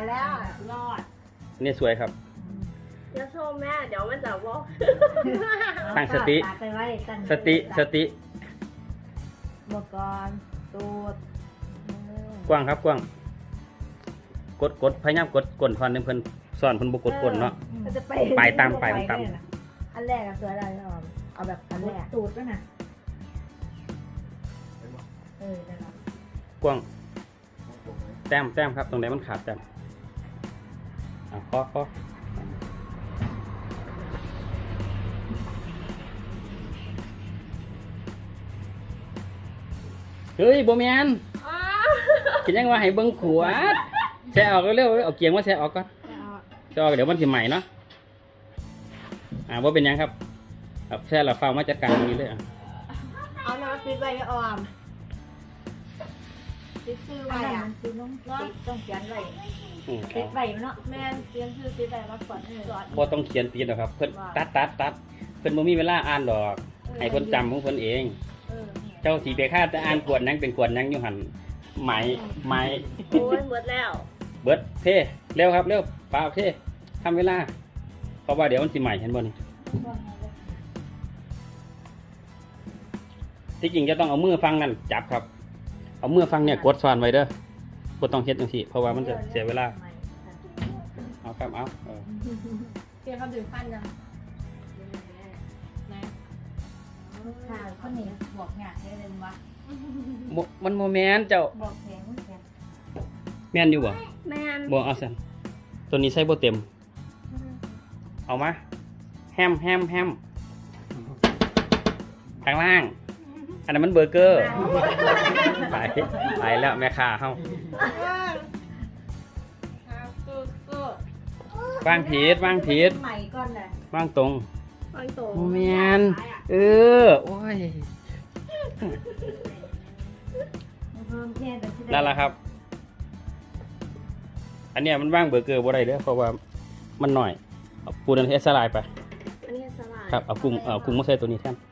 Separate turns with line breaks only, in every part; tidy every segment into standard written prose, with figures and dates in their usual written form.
แล้วรอด
นี่สวยครับ
เดี๋ยวชมแม่เดี๋ยวมันจะบอก
ตั้งสติ
ไปไว้ตั้ง
สติ
บกรตูด
กว้างครับกว้างกดพยายามกดก้นทอนนึงเพิ่นสอนเพิ่นบ่กดก้นเนาะ
มันจะไป
ไปตามไปตาม
อันแรกอะสวยอะไรเอาแบบอันแรกตูดด้วยนะได้แล้ว
กว้างแต้มครับตรงไหนมันขาดแต้มพอเฮ้ยบ่แม่น
อ้า
คิดยังว่าให้เบิ่งขวดแช่ออกเร็วๆเอาเกียงมาแช่ออกก่อนแช่ออกเดี๋ยวมันสิใหม่เนาะว่าเป็นยังครับแช่แล้วเฝ้ามาจัดการตรงนี้เลย
เอาน้ำปิดใบออมปิดซื้อใบ
อันนั้น
อ่ะ
มันคือต้องเขียนไว้
อืม
ติดไว้เนาะ
แม่เตรียมซื้อปิดใบมาก่อนสอน
บ่ต้องเขียนตีนหรอกครับเพิ่นตัดเพิ่นบ่มีเวลาอ่านดอกให้เพิ่นจำของเพิ่นเอง เจ้าสีเบค่าจะอ่านกวดนังเป็นกวดนังอยู่หันไหม
โอ้ยหมดแล้ว
เบิดเท่เร็วครับเร็วป้าเท่ทำเวลาเพราะว่าเดี๋ยวมันสิใหม่เห็นบ่นี่ที่จริงจะต้องเอามือฟังนั่นจับครับเอามือฟังเนี่ยกดซ้อนไว้เด้อบ่ต้องเฮ็ดจังซี่เพราะว่ามันจะเสียเวลาเอาครับเอา
เตรียมเขาดื่มฟันยัง
ข่าวคนนี้บอกงานได้เลยว่า
มันโมแมนเจ้า
บอกแข็งแข็ง
แม่นอยู่บ่
แม่น
บ่เอาซั่นตัวนี้ใส่บ่เต็มเอามาแฮมข้างล่างอันนั้นมันเบอร์เกอร์ไปแล้วแม่ค้าเฮา วางผิด
ใหม่ก่อนเลย
วางตรง
ฟังโต
โมเมนโอ้ยนั่นแหละครับ อันเนี้ยมันว่างเบอร์เกอร์บ่ได้เด้อเพราะว่ามันหน่อยเอาปูนันเอสลายไป
อันนี้สลาย
ครับเอากุ้งมาใส่ตัวนี้แทน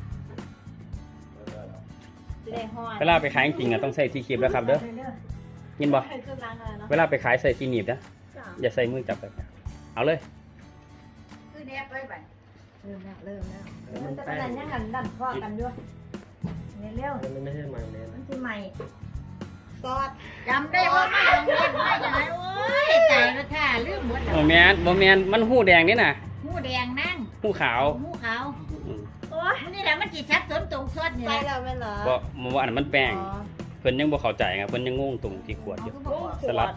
ได้ห้อย
เวลาไปขายจริงๆต้องใส่ที่คีบแล้วครับเด้อยินบ่
เครื่องล้างอะไรเนาะ
เวลาไปขายใส่ที่หนีบนะ
จ้ะ
อย่าใส่มือจับไปเอาเลย
คือแนบไว้ไปเริ่มแล้วมันจะเป็นยังไงดันข้อกันด้วยเร็ว
มันไม่ใช่มันเลย
มันคือใหม่
ซอส
จำได้ว่าไม่ลงเล่นไม่ยังไงโอ้ยใจละค่ะลืมหมด
โมเมนมันหูแดงนี่น่ะ
หูแดงนั่ง
หูขาว
หูขาว
อืม
โอ้ย
นี่แหละมันจีชัดสนตรงซอดนี่
ใส่
แหละ
แล้วไม่เหรอ
บ่ว่าอันนั้นมันแป้งเพิ่นยังบ่เข้าใจไงเพิ่นยังงงตรงที่ขวดอยู่สลัด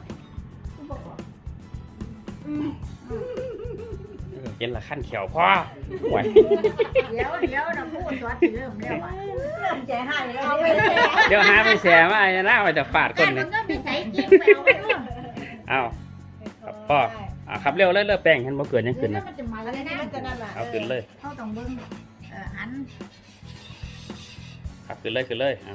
เห็นละขั้นเขียวพ่อไหว
เดี๋ยวนะพูดซอดเริ่มแล้วเริ่มใจหายแล้ว
เอาไปแช่
เดี๋ยวหาไปแช่มาไอ้น่าว่าจะฟาดคน
มั
นี่
นก็มีใส่กิ้งไปเอาไปด้วย
เอาพ่อครับเร็วเลยเลิกแป้งเห็นบ่เกินยังขึ้น
แล้
นะ
วมันจะมา
อัน
เลย
นี้
นะ
มันจะนั่นแหละ
เอาขึ้นเลย
เขาต้องเบิ้งอัน
ครับขึ้นเลยเอา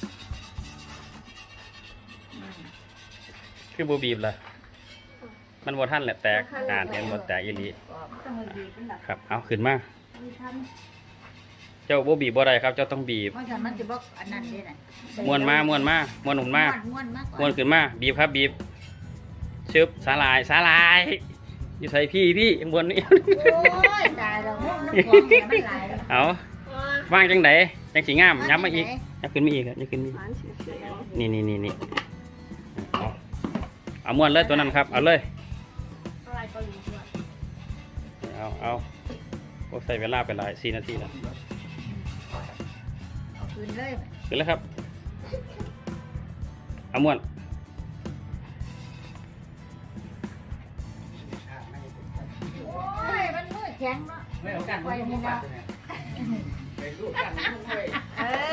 คือบ่บีบล่ะมันบ่ทันแหละแตกเห็นบ่แตกอีหลี
ต้องมาดีเป็นแบบ
ครับเอาขึ้นมา
มีทัน
เจ้าบ่บีบบ่ได้ครับเจ้าต้องบีบ
เพราะฉะนั้นมันจะบอกอันนั้นเลยนะ
ม้วนมาหนุนมา
ม้วนมากก
ม้ว
ว่าน
ขึ้นมาบีบครับบีบชึบสาลายอยู่ใส่พี่ข้างบนนี่
โอ้ยตายแล้วน้ำฟองเนี่ยมันไหล
เอาวางจังไดจังสีงามย้ำมาอีกย้ำขึ้นมาอีกย้ำขึ้นมาอีก
หวานเฉยๆ
นี่เอาม้วนเลยตัวนั้นครับเอาเลย
อะไรก็รู้ด้วย
เอาโอ้ใส่เวลาไปหลาย4 นาทีแล้ว
เอาคืนเลย
ขึ้นแล้วครับเอาม้วน
โอ้ยมันมือแข็งเนาะ
ไม่เอากัน
ไปนี่นะ
ไปรูปกัน
เออ